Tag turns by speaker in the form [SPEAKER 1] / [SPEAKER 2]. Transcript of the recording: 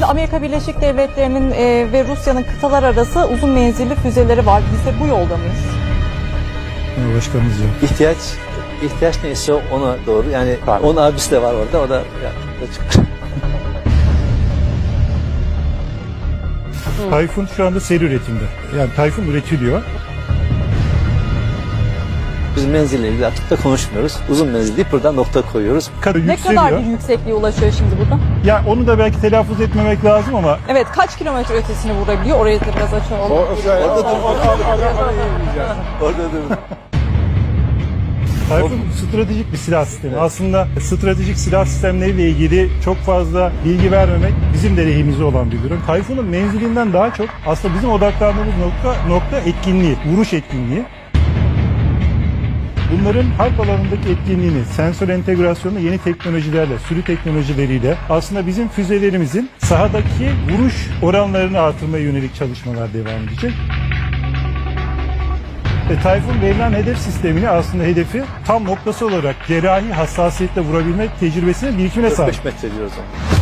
[SPEAKER 1] Şimdi Amerika Birleşik Devletleri'nin ve Rusya'nın kıtalar arası uzun menzilli füzeleri var. Biz de bu yolda mıyız?
[SPEAKER 2] Başkanımız yok.
[SPEAKER 3] İhtiyaç neyse ona doğru. Yani onun abisi de var orada. O da açık.
[SPEAKER 2] Tayfun şu anda seri üretimde. Yani Tayfun üretiliyor.
[SPEAKER 3] Biz menzille ilgili artık da konuşmuyoruz. Uzun menzil deyip buradan nokta koyuyoruz.
[SPEAKER 1] Ne kadar bir yüksekliğe ulaşıyor şimdi burada?
[SPEAKER 2] Ya onu da belki telaffuz etmemek lazım ama
[SPEAKER 1] Evet, kaç kilometre ötesini vurabiliyor? Orayı da biraz açalım.
[SPEAKER 3] Orada dur.
[SPEAKER 2] Tayfun stratejik bir silah sistemi. Aslında stratejik silah sistemleriyle ilgili çok fazla bilgi vermemek bizim de lehimize olan bir durum. Tayfun'un menzilinden daha çok aslında bizim odaklandığımız nokta etkinliği, vuruş etkinliği. Bunların harp alanındaki etkinliğini, sensör entegrasyonunu yeni teknolojilerle, sürü teknolojileriyle aslında bizim füzelerimizin sahadaki vuruş oranlarını artırmaya yönelik çalışmalar devam edecek. Tayfun verilen hedef sistemini aslında hedefi tam noktası olarak cerrahi hassasiyetle vurabilmek tecrübesine birikimine sahip.
[SPEAKER 3] 45 metre diyoruz ona.